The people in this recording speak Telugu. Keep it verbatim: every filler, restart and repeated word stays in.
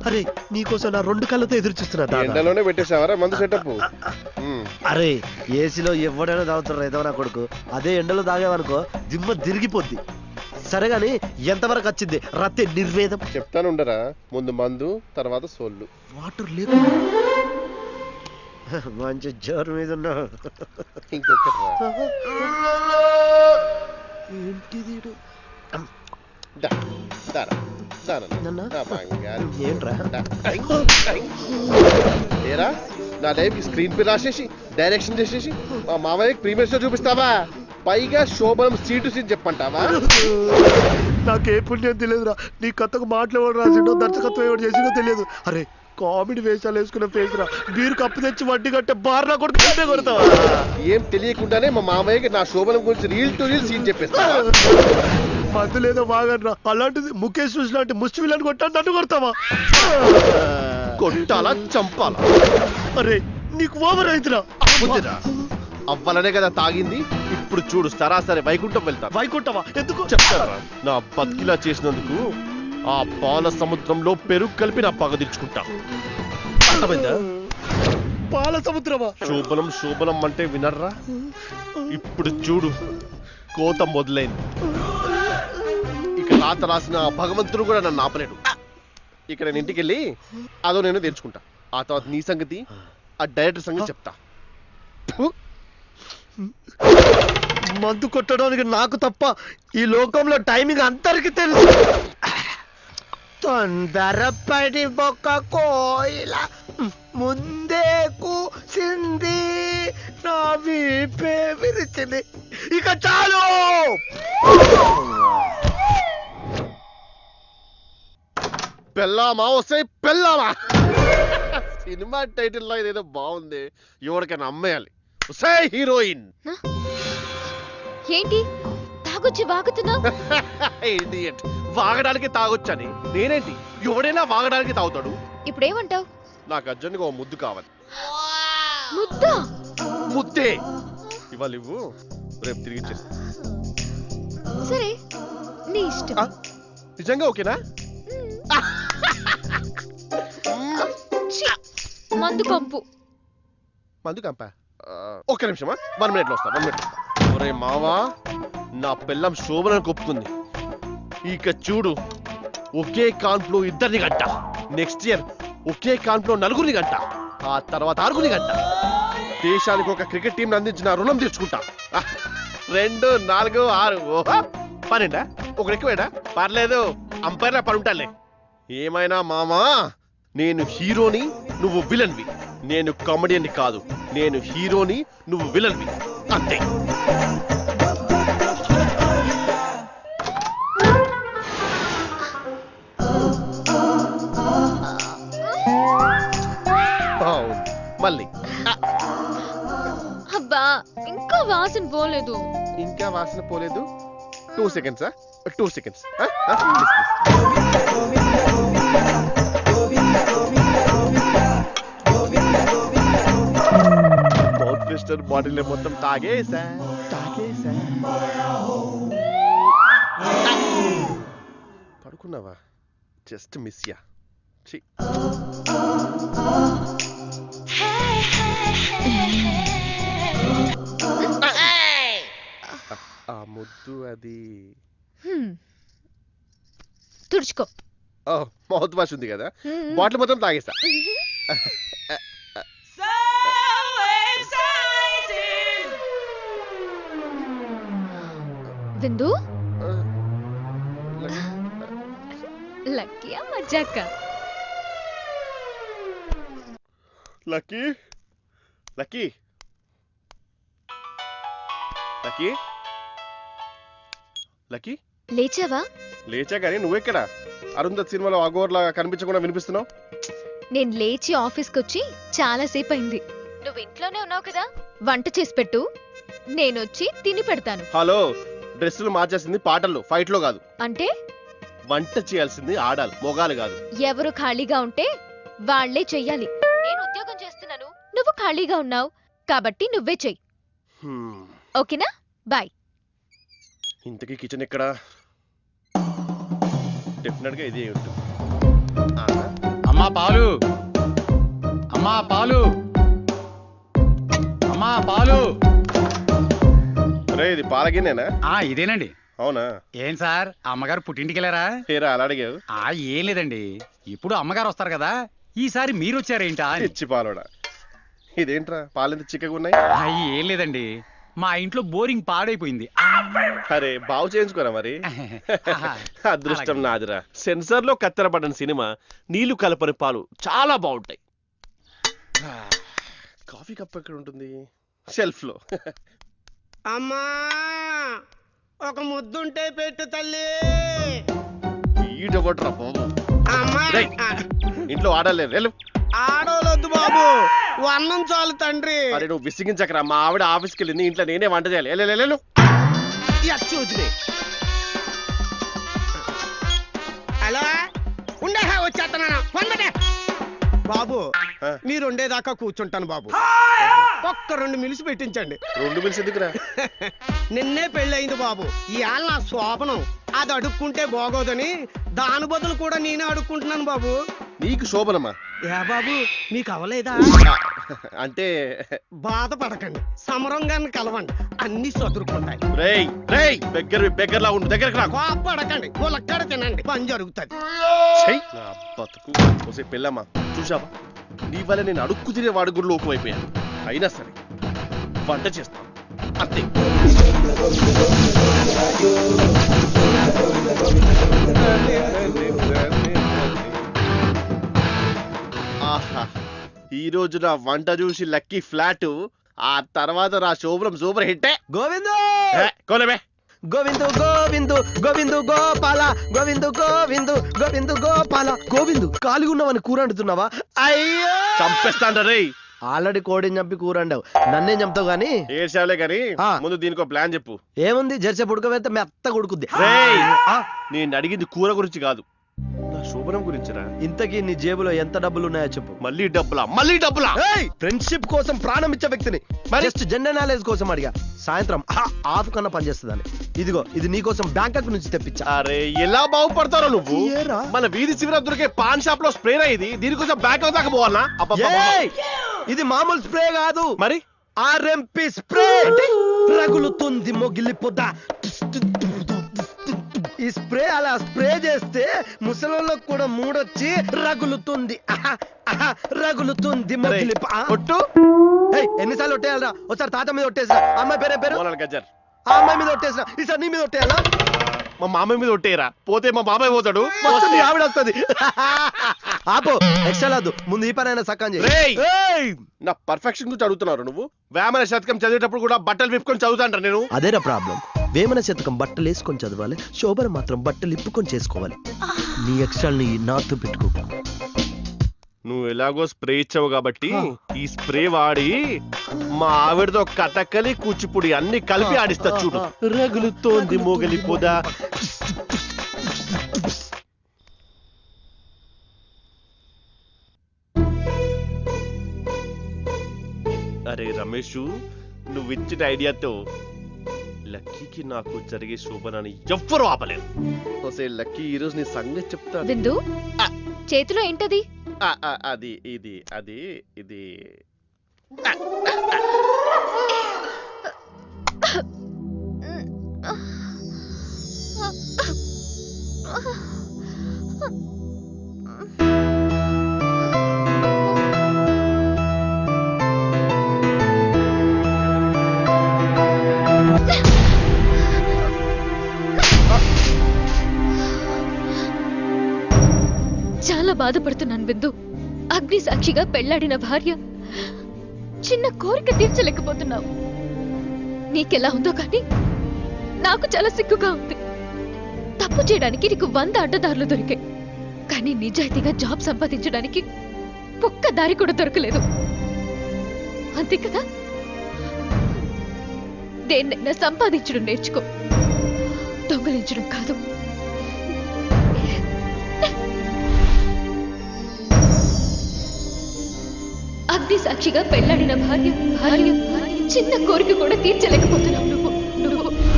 అరే నీకోసం నా రెండు కళ్ళతో ఎదురు చూస్తున్నా. ఎండలోనే పెట్టేసావరా మందు సెటప్? అరే ఏసీలో ఎవడైనా తాగుతారు ఏదో నా కొడుకు, అదే ఎండలో తాగేవనుకో దిమ్మ తిరిగిపోద్ది. సరే గాని ఎంతవరకు వచ్చింది రత్తే నిర్వేదం? చెప్తాను ఉండరా, ముందు మందు తర్వాత సోళ్ళు. వాటర్ లేకుండా మంచి జోరు మీద ఉన్నా. ఇంకొకటి ఏంటిది? ఏంట్రా ఏరా నా లైఫ్ స్క్రీన్ పే రాసేసి డైరెక్షన్ చేసేసి మా మామయ్యకి ప్రీమియర్ షో చూపిస్తావా? పైగా శోభనం సీటు సీన్ చెప్పంటావా? నాకే పుణ్యం తెలియదురా, నీ కథకు మాటలు ఎవరు రాసిండో దర్శకత్వం ఎవరు చేసిండో తెలియదు. అరే కామెడీ వేషాలు వేసుకున్న ఫేస్ రా, బీరు కప్పు తెచ్చి వడ్డీ కట్టే బార్లా కొడుకు కొడతావా? ఏం తెలియకుండానే మా మామయ్యకి నా శోభనం గురించి రీల్ టు రీల్ సీన్ చెప్పేస్తా. మందు లేదో బాగనరా, అలాంటిది ముఖేష్ చూసి లాంటి ముష్టి విలన్ కొట్టాను నన్ను కొడతావా? కొట్టాలా చంపాలా? అరే నీకు ఓవర్ అయితురా. అవ్వాలనే కదా తాగింది. ఇప్పుడు చూడు సరాసరి వైకుంఠం వెళ్తా. వైకుంఠమా? ఎందుకు చెప్తారా? నా బతికిలా చేసినందుకు ఆ పాల సముద్రంలో పెరుగు కలిపి నా పగ తీర్చుకుంటా. అర్థమైందా? పాల సముద్రమా? శోభనం శోభనం అంటే వినర్రా? ఇప్పుడు చూడు కోత మొదలైంది. ఇక రాత రాసిన భగవంతుడు కూడా నన్ను ఆపలేడు. ఇక నేను ఇంటికి వెళ్ళి అదో నేను తెచ్చుకుంటా. ఆ తర్వాత నీ సంగతి ఆ డైరెక్టర్ సంగతి చెప్తా. మందు కొట్టడానికి నాకు తప్ప ఈ లోకంలో టైమింగ్ అందరికి తెలుసు. తొందరపడి బొక్క కోయిల ముందే కూసింది, నా వీపే విరిచింది. ఇక చాలు. పెళ్ళామా వస్తే పెళ్ళామా? సినిమా టైటిల్ లో ఇదేదో బాగుంది, ఎవరికైనా అమ్మేయాలి. హీరోయిన్ ఏంటి తాగొచ్చి వాగుతున్నావు? వాగడానికి తాగొచ్చని నేనేంటి? ఎవడైనా వాగడానికి తాగుతాడు. ఇప్పుడేమంటావు? నాకు అర్జెంట్గా ఓ ముద్దు కావాలి. ముద్దా? ముద్దే ఇవాళ ఇవ్వు, రేపు తిరిగి ఇచ్చేస్తా. సరే నీ ఇష్టం. నిజంగా ఓకేనా? మందు కంపు. మందు కంప? ఒక్క నిమిషమా, వన్ మినిట్ లో వస్తా. వన్ మినిట్ ఒరే మావా, నా పిల్లం శోభనని కొప్పుకుంది. ఇక చూడు ఒకే కాన్పులో ఇద్దరిని గంట, నెక్స్ట్ ఇయర్ ఒకే కాన్పులో నలుగురిని గంట, ఆ తర్వాత ఆరుగురిని గంట. దేశానికి ఒక క్రికెట్ టీం అందించిన రుణం తీర్చుకుంటా. రెండు నాలుగు ఆరు పన్నెండా? ఒకటి ఎక్కువేడా? పర్లేదు, అంపైర్లా పడుంటాలే. ఏమైనా మామా, నేను హీరోని, నువ్వు విలన్వి. నేను కామెడియన్ని కాదు, నేను హీరోని, నువ్వు విలన్వి, అంతే. మళ్ళీ అబ్బా ఇంకా వాసన పోలేదు. ఇంకా వాసన పోలేదు? Two seconds two seconds mouth twister bottle మొత్తం తాగేసా తాగేసా పడుకున్నావా? జస్ట్ మిస్ యా. ఆ ముద్దు అది తుడుచుకో. మౌత్ వాష్ ఉంది కదా, బాటిల్ మొత్తం తాగేసా. విందు లక్కీయా మజాక? లక్కీ లక్కీ లక్కీ లక్కీ లేచావా? లేచా కానీ నువ్వెక్కడా? అరుంధత్ సినిమాలో అగోర్లాగా కనిపించకుండా వినిపిస్తున్నావు. నేను లేచి ఆఫీస్కి వచ్చి చాలా సేపు అయింది. నువ్వు ఇంట్లోనే ఉన్నావు కదా, వంట చేసి పెట్టు, నేనొచ్చి తిని పెడతాను. హలో, డ్రెస్సులు మార్చేసింది పాటల్లో, ఫైట్ లో కాదు. అంటే వంట చేయాల్సింది ఆడాలి, మొగాలు కాదు. ఎవరు ఖాళీగా ఉంటే వాళ్లే చెయ్యాలి. నేను ఉద్యోగం చేస్తున్నాను, నువ్వు ఖాళీగా ఉన్నావు కాబట్టి నువ్వే చెయ్యి. ఓకేనా? బాయ్. ఇంతకీ కిచెన్ ఎక్కడా? డెఫినెట్ గా ఇదే ఉంటుంది. అమ్మా పాలు, అమ్మా పాలు, అమ్మా పాలు. రే ఇది పాలగిన్నేనా? ఆ ఇదేనండి. అవునా? ఏం సార్ అమ్మగారు పుట్టింటికి వెళ్ళారా? ఏరా అలా అడిగావు? ఆ ఏం లేదండి, ఇప్పుడు అమ్మగారు వస్తారు కదా, ఈసారి మీరు వచ్చారేంటా అని. ఇచ్చి పాలోడా. ఇదేంట్రా పాలెంత చిక్కగా ఉన్నాయి? ఆ, ఏం లేదండి, మా ఇంట్లో బోరింగ్ పాడైపోయింది. అరే బాగు చేయించుకోరా మరి. అదృష్టం నాదిరా. సెన్సార్ లో కత్తెరపడిన సినిమా నీళ్లు కలపని పాలు చాలా బాగుంటాయి. కాఫీ కప్ ఎక్కడ ఉంటుంది? షెల్ఫ్ లో. అమ్మా ఒక ముద్దుంటే పెట్టు తల్లి. ఈడొకట్రా బాబు. అమ్మా రేయ్, ఇంట్లో ఆడలేదు వెళ్ళు. ఆడోలొద్దు బాబు, వన్నం చాలు తండ్రి. అరే నువ్వు విసిగించకరా, మా ఆవిడ ఆఫీస్కి వెళ్ళింది, ఇంట్లో నేనే వంట చేయాలి. వెళ్ళు, వెళ్ళు, వెళ్ళు. అచ్చూచినే హలో ఉండే వచ్చేస్తున్నాను పొందటే. బాబు ఆ. మీరు ఉండేదాకా కూర్చుంటాను బాబు, ఒక్క రెండు మిలిసి పెట్టించండి. రెండు మినిట్స్ ఎందుకురా? నిన్నే పెళ్ళయింది బాబు, ఇవాళ నా శోభనం, అది అడుక్కుంటే బాగోదని దాని బదులు కూడా నేనే అడుక్కుంటున్నాను బాబు. నీకు శోభనమ్మా? ఏ బాబు మీకు అవలేదా? అంటే బాధపడకండి, సమరంగాన్ని కలవండి, అన్ని చదురుకుంటాయి. రేయ్ రేయ్ బెగ్గర్ బెగ్గర్లా ఉండు, దగ్గరకు రా. కోపడకండి, ములక్కడ తినండి, పని జరుగుతుంది. ఛై, నా బతుకు. ఒసే పెళ్ళమ్మా చూసావా, నీ వల్ల నేను అడుక్కు తినే వాడి గుడి లోకం అయిపోయాను. అయినా సరే వంట చేస్తాను అంతే. ఆహా, ఈ రోజు నా వంట చూసి లక్కీ ఫ్లాట్, ఆ తర్వాత నా శోభనం సూపర్ హిట్టే. గోవిందు కోనబే గోవిందు గోవిందు గోవిందు గోపాల గోవిందు గోవిందు గోవిందు గోపాల. గోవిందు ఖాళీగా ఉన్నావని కూర వండుతున్నావా? అయ్యో చంపేస్తాంట రే. ఆల్రెడీ కోడిని చంపి కూర వండావు, నన్నేం చంపుతావు గానీ. ఏడ్చావులే గాని ఆ. ముందు దీనికి ప్లాన్ చెప్పు. ఏముంది, జెర్సీ పుడకవేస్తే మెత్త కొడుకుద్ది. రేయ్, ఆ, నేను అడిగింది కూర గురించి కాదు, నా శోభనం గురించిరా. ఇంతకీ నీ జేబులో ఎంత డబ్బులు ఉన్నాయో చెప్పు. మళ్ళీ డబ్బులా మళ్ళీ డబ్బులా? ఫ్రెండ్షిప్ కోసం ప్రాణం ఇచ్చే వ్యక్తిని జస్ట్ జెండర్ నాలెడ్జ్ కోసం అడిగా. సాయంత్రం ఆఫ్ కన్నా పనిచేస్తుందని. ఇదిగో ఇది నీకోసం బ్యాంకాక్ నుంచి తెప్పించా. అరే ఎలా బాగుపడతారో నువ్వు. ఏరా? మన వీధి చివర దొరికే పాన్ షాప్ లో స్ప్రే ఇది, దీనికోసం బ్యాంక్ దాకా పోవాలా? ఏయ్! ఇది మామూలు స్ప్రే కాదు, మరి ఆర్ఎంపి స్ప్రే. రగులుతుంది మొగిలి పొద. ఈ స్ప్రే అలా స్ప్రే చేస్తే ముసలోళ్ళకు కూడా మూడొచ్చి రగులుతుంది. ఆహా, ఆహా, రగులుతుంది మొగిలి పొ- ఆ? కొట్టు. ఏయ్, ఎన్నిసార్లు ఒట్టేయాలరా? ఒకసారి తాత మీద ఒట్టేసిన, అమ్మాయి పేరే పేరు, మోనాల్ గజ్జర్. ఆ అమ్మాయి మీద ఒట్టేసిన, ఈసారి నీ మీద ఒట్టేయాలా? మా మామయ్య మీద ఒట్టేయరా, పోతే మా బాబాయ్ పోతాడు. మొత్తం నీ ఆవిడ వస్తుంది. ఆపో, ఎక్స్ట్రా లాదు, ముందు ఈ పనైనా సక్కం చేయి. రేయ్! ఏయ్! నా పర్ఫెక్షన్ గురించి అడుగుతున్నారు నువ్వు. వేమన శతకం చదివేటప్పుడు కూడా బట్టలు విప్పుకొని చదువుతాంట నేను. అదేరా ప్రాబ్లం. వేమన శతకం బట్టలు వేసుకొని చదవాలి, శోభన మాత్రం బట్టలు ఇప్పుకొని చేసుకోవాలి. నీ ఎక్స్ట్రాల్ని నాతో పెట్టుకో. నువ్వు ఎలాగో స్ప్రే ఇచ్చావు కాబట్టి ఈ స్ప్రే వాడి మా ఆవిడతో కథకలి కూచిపూడి అన్ని కలిపి ఆడిస్తా చూడు. రగులుతోంది మోగలి పొద. అరే రమేష్, నువ్వు ఇచ్చిన ఐడియాతో లక్కీకి నాకు జరిగే శోభనాన్ని ఎవ్వరూ ఆపలేరు. ఒసే లక్కీ, ఈ రోజు నీ సంగతి చెప్తా. బిందు, చేతిలో ఏంటది? ఆ, ఆ, అది ఇది అది ఇది చాలా బాధపడుతున్నాను బిందు. అగ్ని సాక్షిగా పెళ్లాడిన భార్య, చిన్న కోరిక తీర్చలేకపోతున్నావు. నీకెలా ఉందో కానీ నాకు చాలా సిగ్గుగా ఉంది. తప్పు చేయడానికి నీకు వంద అడ్డదారులు దొరికాయి, కానీ నిజాయితీగా జాబ్ సంపాదించడానికి ఒక్క దారి కూడా దొరకలేదు. అంతే కదా? దేన్నైనా సంపాదించడం నేర్చుకో, దొంగలించడం కాదు. అగ్ని సాక్షిగా పెళ్లాడిన భార్య భార్య చిన్న కోరిక కూడా తీర్చలేకపోతున్నావు.